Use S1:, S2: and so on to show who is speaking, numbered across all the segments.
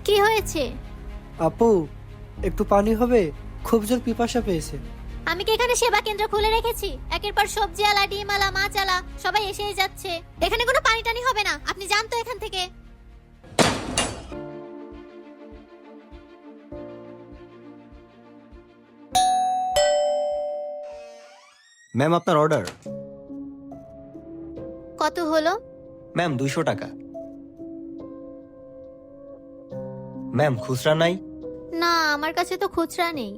S1: কি হয়েছে?
S2: আপু, একটু পানি হবে? খুব জোর পিপাসা পেয়েছে।
S1: আমি কি এখানে সেবা কেন্দ্র খুলে রেখেছি? একের পর সবজি আলা, ডিম আলা, মাছ আলা সবাই এসেই যাচ্ছে। এখানে কোনো পানি টানি হবে না, আপনি যান তো এখান থেকে।
S3: ম্যাম, আপনার অর্ডার।
S1: কত হলো?
S3: ম্যাম, 200 টাকা। ম্যাম, খুচরা নাই?
S1: না, আমার কাছে তো খুচরা নেই।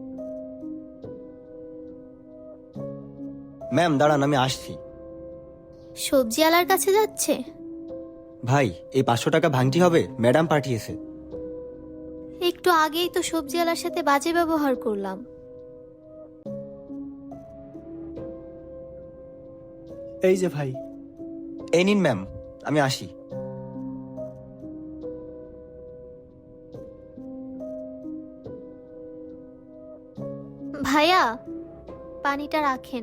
S3: ম্যাম দাঁড়ান, আমি আসছি।
S1: সবজি আলার কাছে যাচ্ছে?
S3: ভাই, এই 500 টাকা ভাঙটি হবে, ম্যাডাম পাঠিয়েছে।
S1: একটু আগেই তো সবজি আলার সাথে বাজে ব্যবহার করলাম।
S2: এই যে ভাই।
S3: এই নিন ম্যাম, আমি আসি।
S1: ভাইয়া, পানিটা রাখেন।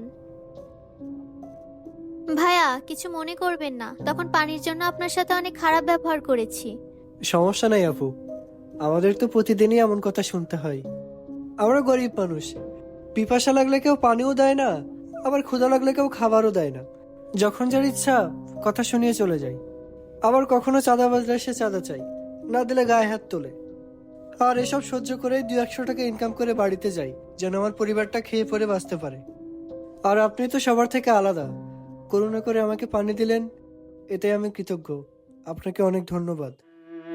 S1: ভাইয়া, কিছু মনে করবেন না, তখন পানির জন্য আপনার সাথে অনেক খারাপ ব্যবহার করেছি।
S2: সমস্যা নাই আপু, আমাদের তো প্রতিদিনই এমন কথা শুনতে হয়। আমরা গরিব মানুষ, পিপাসা লাগলে কেউ পানিও দেয় না, আবার ক্ষুধা লাগলে কেউ খাবারও দেয় না। যখন যার ইচ্ছা কথা শুনিয়ে চলে যায়। আবার কখনো চাঁদাবাজরা এসে চাঁদা চাই, না দিলে গায়ে হাত তোলে। আর এসব সহ্য করে 200-100 টাকা ইনকাম করে বাড়িতে যাই, যেন আমার পরিবারটা খেয়ে পরে বাঁচতে পারে। আর আপনি তো সবার থেকে আলাদা, করুণা করে আমাকে পানি দিলেন, এতে আমি কৃতজ্ঞ। আপনাকে অনেক ধন্যবাদ।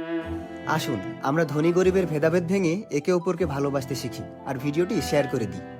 S3: আসুন আমরা ধনী গরিবের ভেদাভেদ ভেঙে একে অপরকে ভালোবাসতে শিখি আর ভিডিওটি শেয়ার করে দিই।